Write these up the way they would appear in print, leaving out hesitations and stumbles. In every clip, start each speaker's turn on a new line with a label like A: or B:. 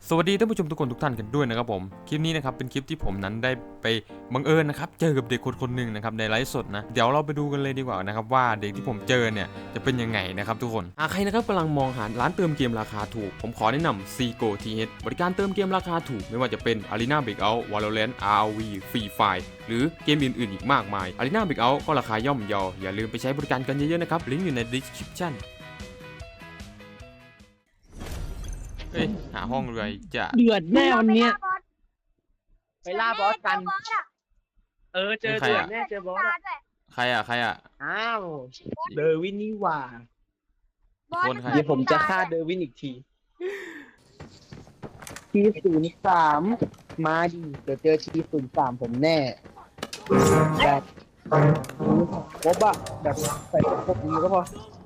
A: สวัสดีท่านผู้ชมทุกคนทุกท่านกันด้วยนะครับผมคลิปนี้นะครับเป็นคลิปที่ผมนั้นได้ไปบังเอิญนะครับเจอกับเด็กคนหนึ่งนะครับในไลฟ์สดนะเดี๋ยวเราไปดูกันเลยดีกว่านะครับว่าเด็กที่ผมเจอเนี่ยจะเป็นยังไงนะครับทุกคนใครนะครับกำลังมองหาร้านเติมเกมราคาถูกผมขอแนะนำ Seago TH บริการเติมเกมราคาถูกไม่ว่าจะเป็น Arena Breakout Valorant ROV Free Fire หรือเกมอื่นๆอีกมากมาย Arena Breakout ก็ราคาย่อมเยาอย่าลืมไปใช้บริการกันเยอะๆนะครับลิงก์อยู่ใน descriptionเฮ้ยหาห้องเลยจะ
B: เดือดแน่วันเนี้ย
C: ไปล่าบอสกัน
B: เจอเดือดแน่เจอบอสอะ
A: ใครอ่ะ
B: อ้าวเดอร์วินนี่หว่า
A: คนใคร
B: เดี๋ยวผมจะฆ่าเดอร์วินอีกทีT03มาดิเดี๋ยวเจอT03ผมแน่แบบครบอะแบบใส่ครบนี้ก็พอ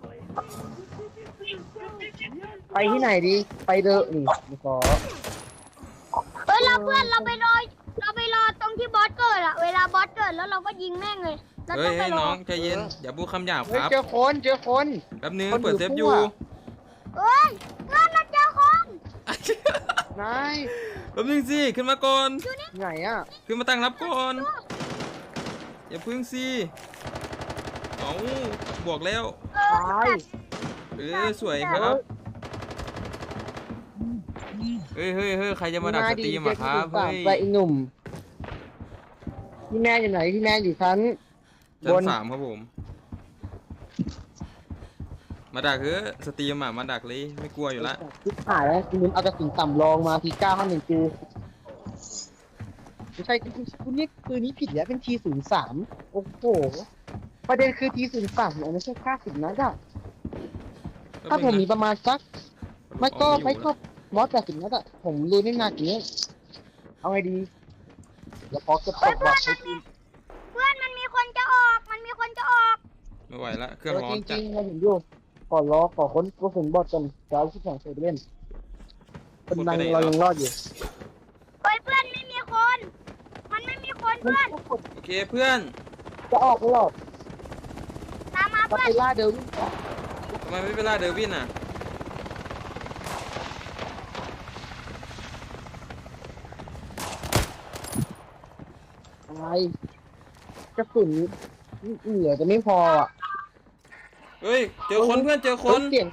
B: ไปที่ไหนดีไปเดอนี่ขอ
C: เราเพื่อนเราไปรอตรงที่บอสเกิดอะเวลาบอสเกิดแล้วเราก็ยิงแม่งเลยแล้ว
A: เฮ้
C: ก็
A: ย
C: ไปร
A: น้
C: อ
A: องใจเย็นอย่าพูดคำหยาบ
B: เฮ้
A: ค
B: ย
A: รับ
B: เจอคน
A: แป๊บนึง
B: คนอยู่
A: เปิดเซฟอยู่
B: ทั่ว
C: เฮ้ยเพื่อนเราเจอคน
B: นาย
A: แป๊บนึงสิขึ้นมาก่อน
B: ไหนอะ
A: ขึ้นมาตั้งรับก่อนอย่าพึ่งสิเอาบวกแล้ว
B: ตาย
A: สวยครับเฮ้ยใครจะมาดักสตรีมอะครับเฮ้ย
B: ไปอีหนุ่มพี่แม่อยู่ไหนพี่แม่อยู่ชั้น
A: ชั้น 3ครับผมมาดักเฮ้ยสตรีมอะมาดักเลยไม่กลัวอยู่ละ
B: คิดหายแล้วคุณเอากระสุนต่ำรองมาที951กูไม่ใช่คุณนี่ปืนนี้ผิดแล้วเป็นT03โอ้โหประเด็นคือT03มันไม่ใช่50นัดอะถ้าผมมีประมาณสักไม่ก็180นัดอะผมรู้ไม่นานอย่างนี้เอาไงดีเดี๋ยวพอเก็บตกแบบ
C: เพื่อนมันมีคนจะออกมันมีคนจะออก
A: ไม่ไหวละเครื่องร้อ
B: จ
A: น
B: ริ
A: จัด
B: งๆเราเห็นอยู่ขอค้นกระสุนบอดกันจะเอาที่แข่งเซเว่นคนดังเรายังรอดอยู่
C: เฮ้ยเพื่อนไม่มีคนมันไม่มีคนเพื่อน
A: โอเคเพื่อน
B: จะออกไม่หรอก
C: ตามมา
B: จะ
C: เพื่อ
B: ไป
C: น
B: ล่าเดวิน
A: ทำไมไม่ไปล่าเดวินอะ
B: อะไรกระสุนเหลือจะไม่พออ่ะ
A: เฮ้ยเจอคนเพื่อนเจอคน
B: เสียง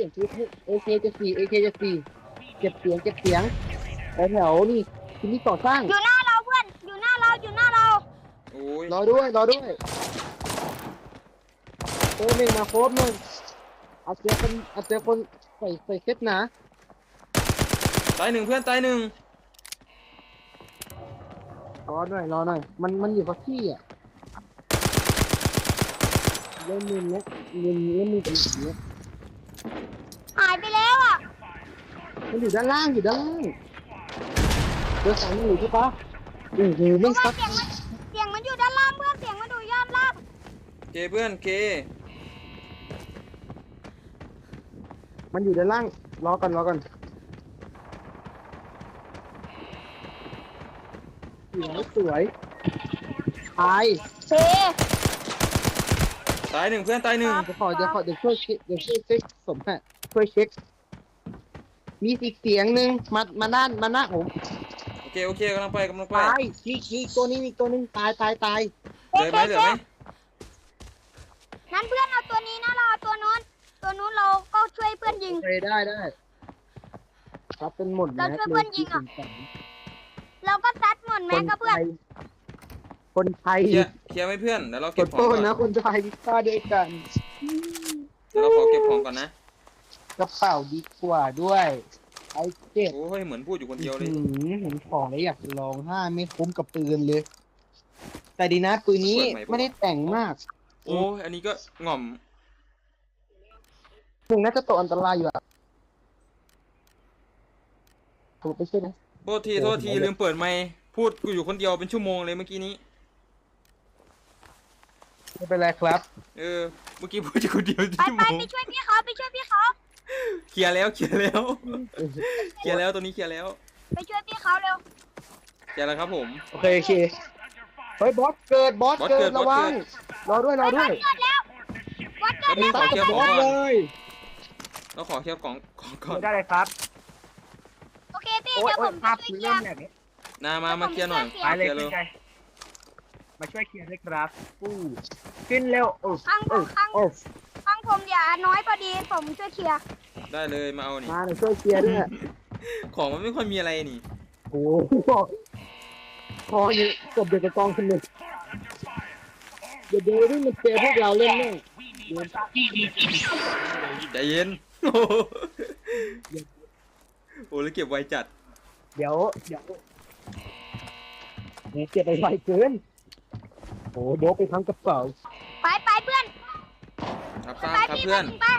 B: AK จะสี่เก็บเสียงแถวนี่ที่นี่ก่อสร้าง
C: อยู่หน้าเราเพื่อนอยู่หน้าเรา
A: โอ้ย
B: รอด้วยโค้หนึ่งมาโค้หนึ่งเอาเจอคนใส่เซ็ตนะ
A: ตายหนึ่งเพื่อนตายหนึ่ง
B: รอหน่อยมันอยู่กับที่อ่ะเล่นมือเนี้ยเล่นมือเป็นแบบนี้
C: หายไปแล้วอ่ะ
B: มันอยู่ด้านล่างเจอสามอยู่ใช่ปะโอ้โหไม่ซัก
C: เสียงมันอยู่ด้านล่างเพื่อนเสียงมันอยู่ด้านล่าง
A: เคเพื่อนเค
B: มันอยู่ด้านล่างรอก่อนสวยตาย
C: เฮ้
A: ตายหนึ่งเพื่อนตายหนึ่ง
B: เดี๋ยวช่วยเช็คสมแพทช่วยเช็คมีอีกเสียงหนึ่งมาหน้าผม
A: โอเคกำลังไป
B: ตายนี่ตัวนี้มีตัวหนึ่งตาย
A: เหลือไหม
C: นั้นเพื่อนเอาตัวนี้นะเราเอาตัวนู้นเราก็ช่วยเพื่อนยิง
B: โอเคได้ครับเป็นหมด
C: เราช่วยเพื่อนยิงอะ เราก็ซัดหมดแม็กกับเพื่อน
B: คนไทย
A: เคลียร์ไหมเพื่อนเดี๋ยวเรา
B: ก
A: เก็บ
B: ด
A: ของ
B: โต้
A: ก่อน
B: นะคนไทยฆ่าด้วยกัน
A: เดี๋ยวเราขอเก็บของก่อนนะ
B: กระเป๋าดีกว่าด้วยไอ้เจ็บ
A: โอ้ยเหมือนพูดอยู่คนเดียวเลย
B: เห็นของแล้วอยากจะลองห้าไม่คุ้มกับปืนเลย แต่ดีนะปืนนี้ไม่ได้แต่งมาก
A: โอ้ยอันนี้ก็ง่อม
B: ถึงน่าจะตกอันตรายอยู่อะถูกไปใช่ไหม
A: โทษทีลืมเปิดไมค์พูดกูอยู่คนเดียวเป็นชั่วโมงเลยเมื่อกี้นี้
B: ไม่เป็นไรครับ
A: เมื่อกี้พูดอยู่คนเดียวเป็น
C: ไป
A: ชั่วโมง
C: ไปช่วยพี่เขา
A: เคลียร์แล้วตัวนี้เคลียร์แล้ว
C: ไปช่วยพี่เขาเร็ว
A: เคลียร์แล้วครับผม
B: โอเคเฮ้ยบอสเกิดระวังรอด้วย
C: เกิดแล้ววัดเกิด
A: แป๊บนึงขอเคลียร์ของ
B: บอส
A: ก่
B: เล
A: อน
B: ย
A: เราขอเคลียร์ของก่อน
B: ไม่ได้เลยครับ
A: โอเค
B: โอเค
A: เพื่อน
C: โอเคพี่
B: โอ้ย
C: เดี๋ยว
B: โอ้
C: ผ
B: ย
C: ม
B: ภา
C: จะ
B: พ
C: ช่วย
B: คือ
C: เคลี
B: เริ่
C: ย
B: ม
C: ร์
B: แบบนี้
A: มาเคลียร์หน่อย
C: ผม
B: ไปเลย
A: เคลียร์
B: ขึ้นใจมาช่วยเคลียร์ด้วยครับปู้ขึ้นเร็วโอ้
C: ข้างผ
B: โอ้
C: มข้าง
B: โอ้
C: ข้างผมอย่าน้อยพอดีผมช่วยเคลียร์
A: ได้เลยมาเอานี่
B: มาหน่อยช่วยเคลียร์ด้วย
A: ของมันไม่ค่อยมีอะไรนี่
B: โอ้โหพอนี่กบเด็กกระกองคนหนึ่งเดี๋ยวนี่มันเจอพวกเราเล่นแน่
A: ใจเย็น โอ้โหโอ้แล้วเก็บไวจัด
B: เดี๋ยวนี่เก็บไปไวเกินโอ้โดบไปทั้งกระเป๋า
C: ไปเพื่อน
A: ครับ
C: ไป
A: ครับ
C: พี่
A: เพื่อน
C: ไป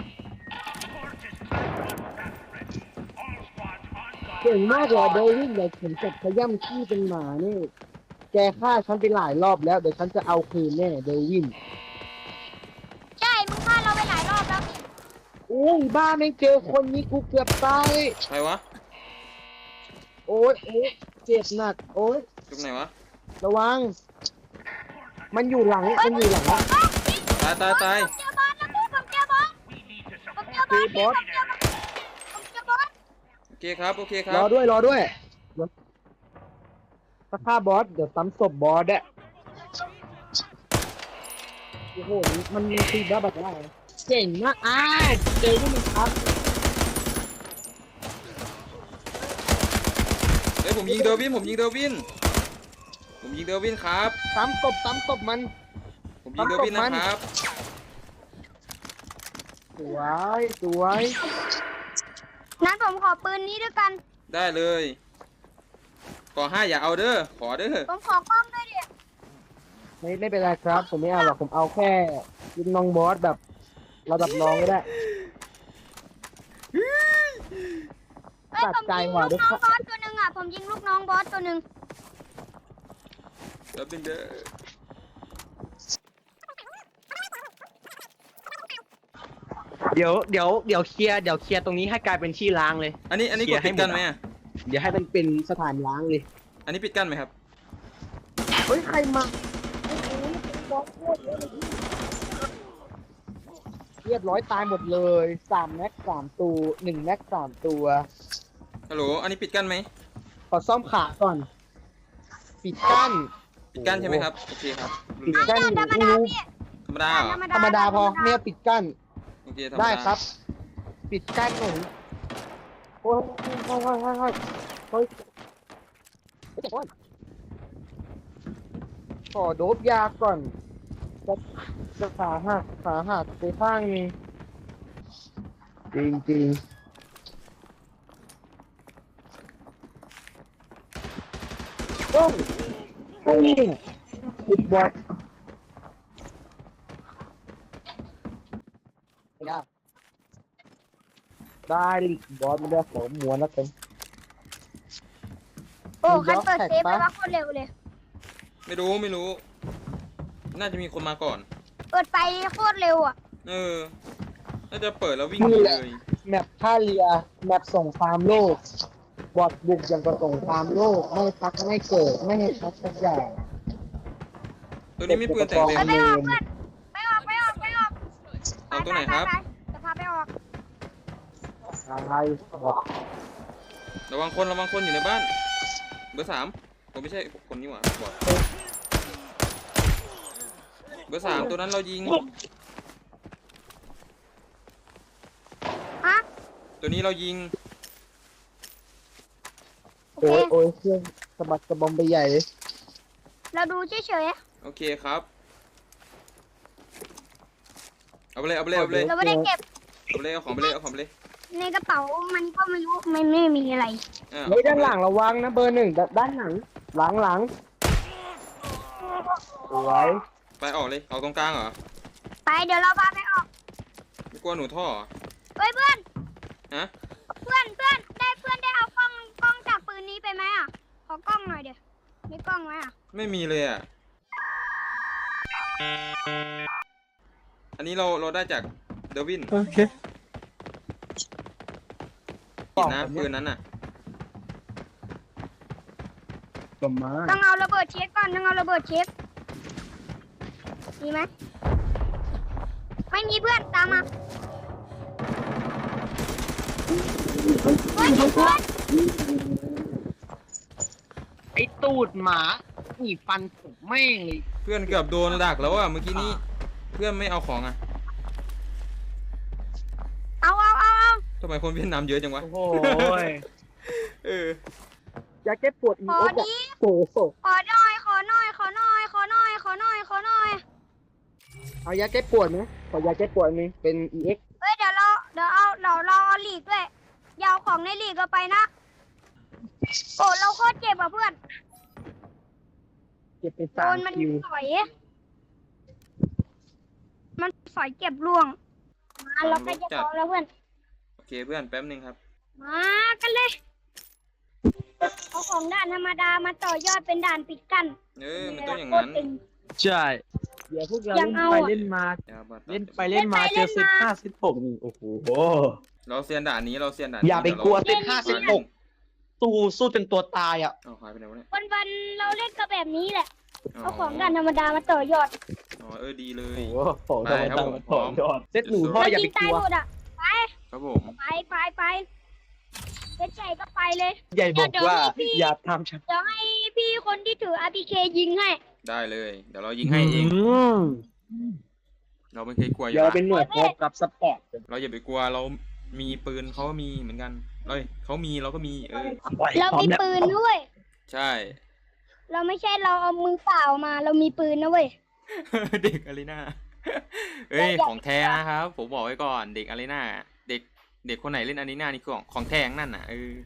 B: เก่งมากเลยเดวินเดี๋ยวผมจะขย้ำขี้เป็นหมานี่แกฆ่าฉันไปหลายรอบแล้วเดี๋ยวฉันจะเอาคืนแน่เดวิน
C: ใช่มึงฆ่าเราไปหลายรอบแล้ว
B: โอ้ยบ้าไม่งเจอคนนี้กูเกือบตาย
A: ใครวะ
B: โอ้ยเจ็บหนักโอ้ย
A: ตรงไหนวะ
B: ระวัง มันอยู่หลัง มันอยู่หลัง
A: ตาย
C: ผมเจอบอสแล้วพี่ผมเจอบอสผมเจอบอสพี่ผมเจอบอส
A: โอเคครับโอเคครั
B: รอบ ด้วยถ้าฆ่าบอส เดี๋ยวซ้ำศพบอสอะโอ้โห มันตีบ้าแบบว่าเก่งมากเจอที่มันครับ
A: เฮ้ยผมยิงเดอร์วินครับ
B: ซ้ำศพมัน
A: ผมยิงเดอร์วินนะครับ
B: สวย
C: นั้นผมขอปืนนี้ด้วยกัน
A: ได้เลยขอ5อย่าเอาเด้อขอเด้อ
C: ผมขอกล้องด้วยดิ
B: ไม่เป็นไรครับ ผมไม่เอาหรอก ผมเอาแค่ยิงน้องบอสแบบระดับน้องก็ได้
C: เอ้ย
B: ตัด
C: ผม
B: ใจ
C: ยิง
B: ว่ะ
C: ลูก
B: ด้วย
C: น้องบอสตัวหนึ่งอ่ะผมยิงลูกน้องบอสตัวหนึ่ง
A: แล้วเป็นเด้อ
B: เดี๋ยวเคลียร์ตรงนี้ให้กลายเป็นที่ล้างเลย
A: อันนี้กดปิดกั้นไหมอะ
B: เดี๋ยวให้มันเป็นสถานล้างเลย
A: อันนี้ปิดกั้นไหมครับ
B: เฮ้ย ใครมาเรียบร้อยตายหมดเลย3 แม็ก 3 ตัว1 แม็ก 3 ตัว
A: ฮัลโหลอันนี้ปิดกั้นไหม
B: ขอซ่อมขาก่อน ปิดกั้น
A: ปิดกั้นใช่ไหมครับโอเคครับ
B: ปิดกั้น
C: ธรรมดาพี่
A: ธรรมดาเหรอ
B: ธรรมดาพอเนี่ยปิดกั้น
A: โอเคธรรมดา
B: ได้ครับ ปิดกั้นหนูโอ้ยเฮ้ยขอโดบยาก่อนจะขาหักไปข้างนึงจริงโอ้ยปิดบอสได้ลิกบอสไม่ได้ขอม้วนแล้วกัน
C: โอ้คันเปิดเซฟไปว่าโคตรเร็วเลย
A: ไม่รู้ น่าจะมีคนมาก่อน
C: เปิดไปโคตรเร็วอ่ะ
A: น่าจะเปิดแล้ววิ่งหนีเลย
B: แมปท่าเรือแมปส่งฟาร์มโลกบอดบุกอย่างกับส่งฟาร์มโลกไม่พักไม่เกิดไม่ให้พักสักอย่าง
A: ตัวนี้มีปืนแต่งเต็ม
C: ไปออกเพื่อนไปออก
A: เอาตัวไหนครับ
C: จะพาไปออก
B: อะไรบอก
A: ระวังคนอยู่ในบ้าน เบอร์ 3ผมไม่ใช่คนนี้หว่าบอดเบอร์ 3ตัวนั้นเรายิง
C: ฮะ
A: ตัวนี้เรายิง
C: โอเค
B: โอ้ยเครื่องสะบัดกระบอมไปใหญ่เลย
C: เราดูเฉย
A: โอเคครับ เอาไปเลย
C: ๆเราไม่ได้เก็บ
A: เอาของไปเลย
C: ในกระเป๋ามันก็ไม่รู้มันไม่มีอะไร
B: เฮ้ยด้านหลังระวังนะเบอร์ 1ด้านหลังหลังสวย
A: ไปออกเลยเอาตรงกลางเหรอ
C: ไปเดี๋ยวเราพาไปออก
A: ไม่กลัวหนูท่อเหรอ
C: เฮ้ยเพื่อน
A: ฮะ
C: เพื่อนได้เอากล้องจากปืนนี้ไปไหมอ่ะขอกล้องหน่อยเดี๋ยวมีกล้องไหมอ่ะ
A: ไม่มีเลยอ่ะ อันนี้เราได้จากเดวิน
B: โอเค
A: ผิดนะปืนนั้นน่ะ
B: ประมาณ
C: ต้องเอาระเบิดเช็คก่อนต้องเอาระเบิดเช็คมีไหมไม่มีเพื่อนตามมาเฮ้ยเพื่อน
B: ไอ้ตูดหมาหนีฟันผมแม่งเลย
A: เพื่อนเกือบโดนดักแล้วอ่ะเมื่อกี้นี้เพื่อนไม่เอาของอ่ะ
C: เอา
A: ทำไมคนเวียดนามเยอะจังวะ
B: โอ้โห
A: เออ
B: อยากแก้ปวดอี
C: ขอ
B: โอ๊ก
C: ดี
B: โอ้โห
C: ขอหน่อย
B: เอายาแก้ปวดไหมขอยาแก้ปวดนึงเป็น EX
C: เฮ้ยเดี๋ยวเราลีกด้วยยาวของในลีกเราไปนะโอ้เราโคตรเจ็บอ่ะเพื่อน
B: เก็บไป
C: โด
B: 3
C: นมัน
B: คิว
C: สอยเก็บล่วงมาเราใกล้จะพอแล้วเพื่อน
A: โอเคเพื่อนแป๊บนึงครับ
C: มากันเลยเอาของด่านธรรมดามาต่อยอดเป็นด่านปิดกั้น
A: มันต้องอย่างนั้น
C: โคตรตึง
B: ใช่เดี๋ยวพวกเรา
C: ยัง
B: เล่น
C: เอา
B: ไป
C: อะ
B: เล่นมา
A: อย่าบัด
B: เล่นไปเล่นมาเจอเซต5เซต6นี่โอ้โห
A: เราเซียนด่านนี้เราเซียนด่าน
B: อย่าไปกลัวเซต
C: เล่น
B: 5เซต6สู้จนตัวตายอ่ะ
A: เอาหายไปไหนวะเนี่ย
C: วันๆเราเล่นก็แบบนี้แหละ
A: อ๋อ
C: เอาของด่านธรรมดามาต่อยอด
A: อ๋อดีเลย
B: โอ้โหของ
A: ไปครับผมพร้อม
B: เซตหนูพ่ออย่าไป
C: ยิง
B: ก
C: ตาย
B: ลัว
C: หมดอ่ะ
A: ครับผม
C: ไปเล่นใจก็ไปเลย
B: ใหญ่บอกว่าอย่าทำฉัน
C: เดี๋ยวให้พี่คนที่ถือ RPK ยิงให้
A: ได้เลย เดี๋ยวเรายิงให้เอง
B: ม
A: เราไม่เคยกลัวอยู่
B: เดี๋ยว
A: แล้ว
B: เป็นหน่วยพบกับสปอร์ต
A: เราอย่าไปกลัวเรามีปืนเขาก็มีเหมือนกันเขามีเราก็มี
C: เรามีปืนด้วย
A: ใช่
C: เราไม่ใช่เราเอามือเปล่ามาเรามีปืนนะเว้ย
A: เด็กอารีนาเอ้ยของแท้นะครับผมบอกไว้ก่อนเด็กอารีนาเด็กคนไหนเล่นอารีนานี่ของแท้นั่นน่ะ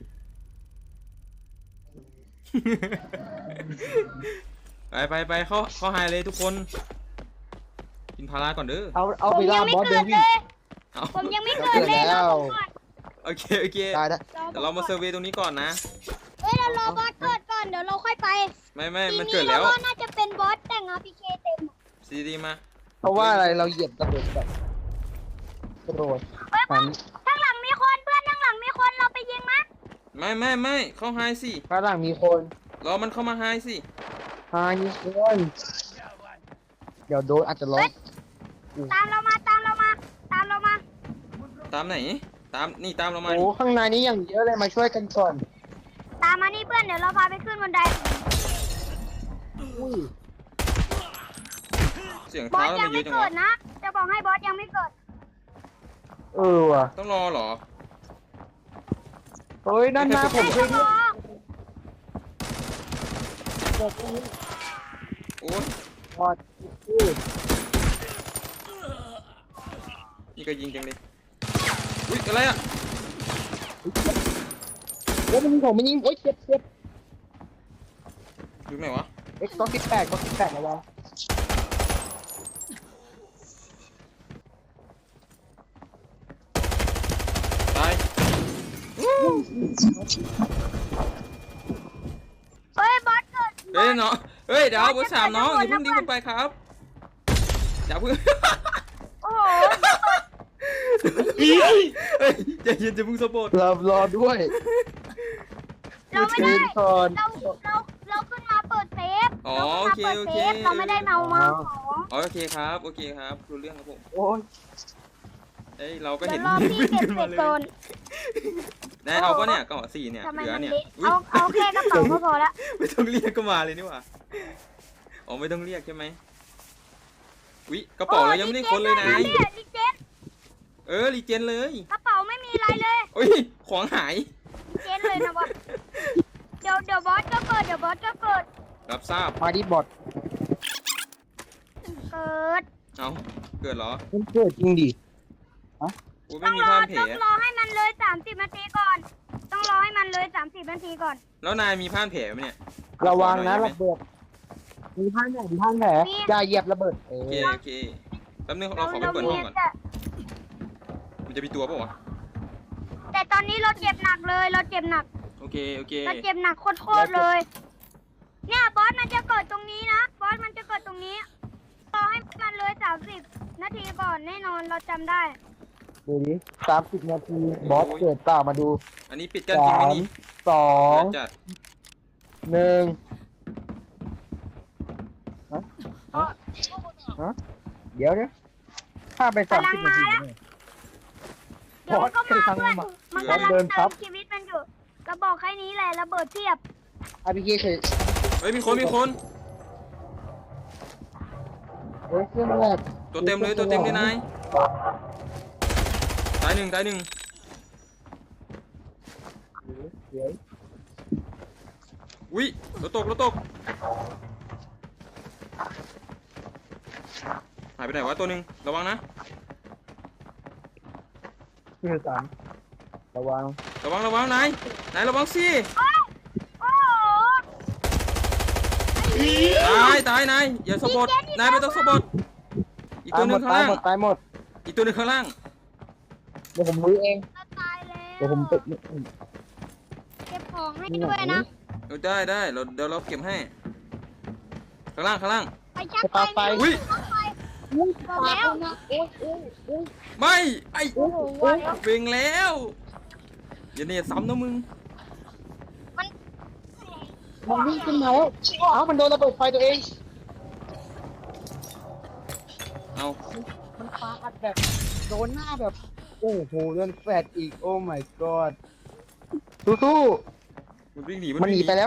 A: ไปเข้าไฮเลยทุกคนกินพาราก่อนเด้อ
B: เอา
C: ผ
B: ไป
C: มยั
B: ล่าง
C: ไม่
B: บอส
C: เกิ
B: เดิ
C: ด
B: น
C: เล
B: วิ่ง
C: ย
A: เอา
C: ผมยังไม่เกิดเลย
B: แล้
C: เรา
B: ว
C: ก่อน
A: โอเค
B: ได้แล้ว
A: เดี๋ยวเรามาเซอร์เวย์ตรงนี้ก่อนนะ
C: เฮ้ยเรารอบอสเกิดก่อนเดี๋ยวเราค่อยไป
A: ไม่
C: ที
A: มัน
C: นี้
A: เกิด
C: เรา
A: แล้ว
C: ว่าน่าจะเป็นบอสแต่ง RPK เต็ม
A: ซีดีมา
B: เพราะว่าอะไรเราเหยียบระเบิดแบบกระโดด
C: เฮ้ย
B: หัน
C: ข้างหลังมีคนเพื่อนข้างหลังมีคนเราไปยิงมั้ย
A: ไม่เข้าไฮสิ
B: ข้างหลังมีคน
A: รอมันเข้ามาไฮสิ
B: มีคนเดี๋ยวโดนอาจจะล็อก
C: ตามเรามา
A: ตามไหนตามเรามา
B: โอ้ข้างในนี้อย่างเยอะเลยมาช่วยกันก่อน
C: ตามมานี่เพื่อนเดี๋ยวเราพาไปขึ้นบันได
B: อุ้ย
A: เสียง
C: บอ
A: เท้า
C: ส
A: เรา
C: ยั
A: มาง เย
C: ไม่
A: อะจัง
C: เกิ
A: วะ
C: ดนะจะบอกให้บอสยังไม่เกิด
B: ว่ะ
A: ต้องรอเหรอ
B: เฮ้ยนั่นนะผมเคย
C: รอ
A: โอ้ย
B: บอด
A: นี่ก็ยิงจังเลยอุ้ยอะไรอ่ะ
B: แล้วมันผมมันยิงโอ๊ยเจ็บ
A: อยู่ไหนวะ
B: X ก็18ระวัง
A: ตาย
C: เฮ้ยบอสเกิด
A: เฮ้ยเนาะเฮ้ยเดี๋ยวเบอร์สามน้องอย่าเพิ่งดิ้งไปครับอย่าเพิ่ง
C: โอ้โห
A: เฮ้ยใจเย็นจะเพิ่งสะบัด
B: รอด้วย
C: เราไม่ได้
B: ก่อน
C: เราขึ้นมาเปิดเซฟ
A: อ๋อ
C: เรา
A: โอ
C: ขึ้น
A: เค
C: มาเปิดเซฟเราไม่ได้เมาของ
A: โอเคครับรู้เรื่องครับผม
B: โอ้ย
A: เอ้ยเราก็
C: เดี๋
A: เห็
C: ยวน รอพี่
A: วิ่ง
C: เก็บ
A: ขึ้น
C: เศ
A: มา
C: ษ
A: เลย
C: โซน
A: นายเอาปะเนี่ยกระบอก4เนี่ย
C: ทำไม
A: เหลือ
C: มัน
A: เนี่ย
C: เละ
A: อุ๊ย
C: เอาแค่กระเป๋าก็พอละ
A: ไม่ต้องเรียกก็มาเลยนี่หว่าอ๋อไม่ต้องเรียกใช่ไหมวิกระเป๋าเรายังไม่ได้ค้นเลยนะ
C: รีเจน
A: รีเจนเลย
C: กระเป๋าไม่มีอะไรเลย
A: อุ้ยของหาย
C: รีเจนเลยนะบอสเดี๋ยวบอสก็เกิด
A: รับทราบ
B: มาดิบอด
C: เกิด
A: เอาเกิดเหรอ
B: มันเกิดจริงดิ
A: กู
C: ต้
A: ไม่
C: อง
A: มี
C: รอ
A: ผ้าพันแผล
C: ให้มันเลย30 นาทีก่อน ต้องรอให้มันเลย30 นาทีก่อน
A: แล้วนายมีผ้าพันแผลไหมเนี่ย
B: ระวังนะระเบิดมีท่านแผลอย่าเหยียบระเบิด
A: โอเคแป๊บนึงเราขอไปเปิดห้องก่อน มันจะมีตัวปะวะ
C: แต่ตอนนี้เราเจ็บหนักเลยเราเจ็บหนัก
A: โอเค
C: เราเจ็บหนักโคตรเลย เนี่ยบอสมันจะเกิดตรงนี้นะบอสมันจะเกิดตรงนี้รอให้มันเลย30 นาทีก่อนแน่นอนเราจำได้
B: ดูดิ30 นาทีบอสเกิดเปล่ามาดู
A: อันนี้ปิดกันจริงไหมนี่
B: 2
A: จัด
B: 1เดี๋ยวข้าไป30 นาที
C: เดี๋ยวมันก็มาเพื่อนมันกำลังเติมชีวิตมันอยู่เราบอกแค่นี้แหละระเบิดเทียบ
B: RPG เฉย
A: เฮ้ยมีคนมีคน
B: เฮ้ยเครื่องแรก
A: ตัวเต็มเลยตัวเต็มเลยนายตายหนึ่ง
B: เดี๋ยว
A: อุ้ยรถตกหายไปไหนวะตัวหนึ่งระวังนะ
B: ที่สามระวัง
A: นายระวังสิ
C: โอ้โห
A: ตายนายอย่าสะบัดนายไม่ต้องสะบัดอีกตัวหนึ่งข้างล่าง
B: ตายหมด
A: อีกตัวหนึ่งข้างล่าง
B: เดี๋ยวผมรื้อเอง
C: เราตายแล้ว
B: เดี๋ยวผมไป
C: เก็บของให้ด้วยนะ
A: ได้เดี๋ยวเราเก็บให้ข้างล่าง
C: ไปชักไป
A: อุ้ย
C: บอกแล้ว
A: ไม่ไอ้
C: โอ้โหว่าแล้ว
A: เวงแล้วอย่าเนี่ยซ้ำนะมึง
B: มันวิ่งขึ้นมาแล้วอ้าวมันโดนระเบิดไฟตัวเอง
A: เอา
B: มันปาอัดแบบโดนหน้าแบบ โอ้โหโดนแฟดอีก โอ้ my god สู้
A: มันวิ่งหนี
B: ๆมันหนีไปแล้ว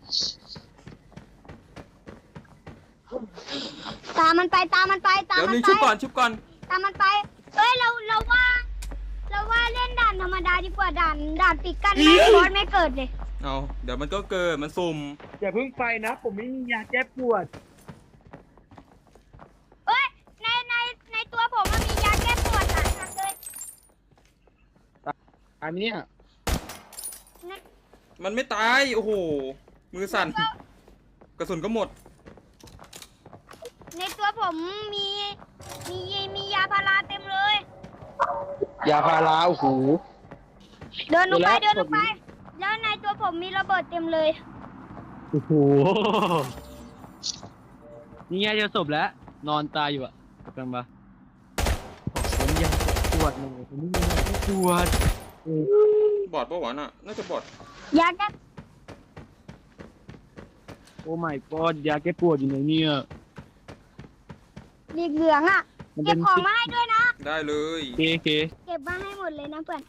C: ตามมันไป
A: เดี๋ยวนึงชุบก่อน
C: ตามมันไปเอ้ยเราว่าเล่นด่านธรรมดาดีกว่าด่านปิดกั้นไม่บอสไม่เกิดเลย
A: เอาเดี๋ยวมันก็เกิดมันสุ่ม
B: อย่าเพิ่งไปนะ ผมไม่มียาแก้ปวด
C: เอ้ยในตัวผมมันมียาแก้ปวดหลายอันเลย
B: อันเนี้ย
A: มันไม่ตายโอ้โหมือสั่นกระสุนก็หมด
C: ในตัวผมมียาพาราเต็มเลย
B: ยาพาราโอ้โห
C: เดินลงไป
B: เดี๋ยวนะ
C: แล้วในตัวผมมีระเบิดเต็มเลย
B: โอ้โห นี่ไงจะศพแล้ว นอนตายอยู่อะกำลังมาผมยังปวดเลยผมไม่มียาแก้ปวด
A: บอดปะวะน่ะน่าจะบอด
C: ยาแก้
B: โอ้ my god ยาแก้ปวดอยู่ไหนเนี่ย
C: เหลืองอ่ะ เก็บของมาให้ด้วยนะ
A: ได้เลย
B: เค
C: เก็บมาให้หมดเลยนะเพื่อน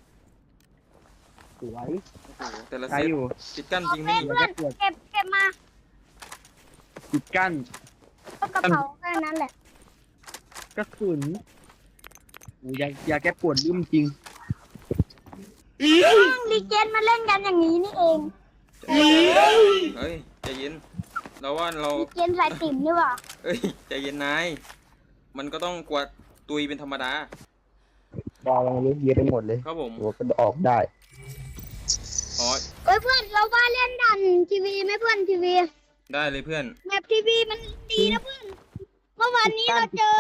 B: สวย
A: โอ้โหแต่ละ
B: ใช้
A: เซต
B: อยู่
A: ปิดกั้นจริง
C: เพื่
A: นี่
C: อนเก็บมา
B: ปิดกั้น
C: ก็กระเป๋าแค่นั้นแหละ
B: กระสุนโอ้ยาแก้ปวดลืมจริง
C: ลีเจนมาเล่นกันอย่างนี้นี่เอง
A: เฮ้ยใจเย็นเราว่าเรา
C: ลีเจนสายติ่มนี่หว่า
A: เอ้ยใจเย็นนายมันก็ต้องกวาดตุยเป็นธรรมดา
B: ดาวเราเยอะไปหมดเลย
A: ครับผม
B: หัวก็ออกได้
A: อ๋อ
C: เอ้ยเพื่อนเราว่าเล่นดันทีวีไหมเพื่อนทีวี
A: ได้เลยเพื่อน
C: แมปทีวีมันดีนะเพื่อนเมื่อวานนี้เราเจ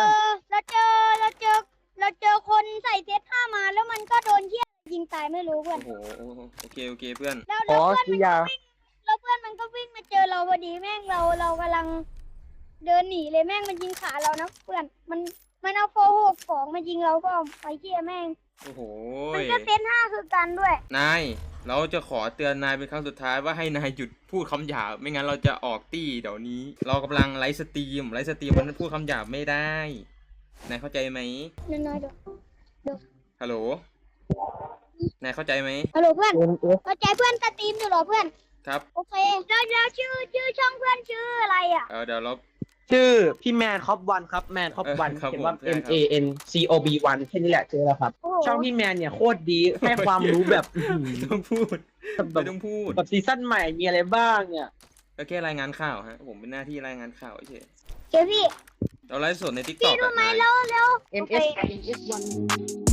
C: อคนใส่เซตห้ามาแล้วมันก็โดนเหี้ยยิงตายไม่รู้เพื่อน
A: โอ้โหโอเคเพื่อน
C: แล้ว
B: อ๋อ
C: เพื่อน
B: คือยา
C: มันก็วิ่งมาเจอเราพอดีแม่งเรากำลังเดินหนีเลยแม่งมันยิงขาเรานะเพื่อนมันเอาโฟหกของมายิงเราก็ไปเหี้ยแม่ง
A: โอ้โห
C: มันก็เซตห้าคือกันด้วย
A: นายเราจะขอเตือนนายเป็นครั้งสุดท้ายว่าให้นายหยุดพูดคำหยาบไม่งั้นเราจะออกตี้เดี๋ยวนี้ เรากำลังไลฟ์สตรีมมันพูดคำหยาบไม่ได้นายเข้าใจไหม
C: น้อยๆดู
A: ฮัลโหลนายเข้าใจไหม
C: ฮัลโหลเพื่อน
B: เอ็นเอฟ
C: เข้าใจเพื่อนสตรีมอยู่เหรอเพื่อน
A: ครับ
C: โอเคแล้วชื่อช่องเพื่อนชื่ออะไรอ่ะ
A: เดี๋ยวเรา
B: ชื่อพี่แมนคอปวันครับแมนคอปวัน
A: ครับ
B: เขียนว่า
A: ผมใช่
B: M
A: ครับ
B: A N C O B 1แค่นี้แหละเจอแล้วครับ
C: โอ้โห
B: ช่องพี่แมนเนี่ยโคตรดีให้ความรู้แบบ
A: ไม่ต้องพูด
B: แบ
A: ไม่
B: บ
A: ต้องพูด
B: แบบซีซั่นใหม่มีอะไรบ้างเนี่ย
A: ก็แค่รายงานข่าวฮะผมเป็นหน้าที่รายงานข่าวเฉย
C: เดี๋ยวพี่
A: เราไลฟ์สดในทิกต
C: พี่
A: อก
C: รู้ไหมแล้ว
B: M S I N S 1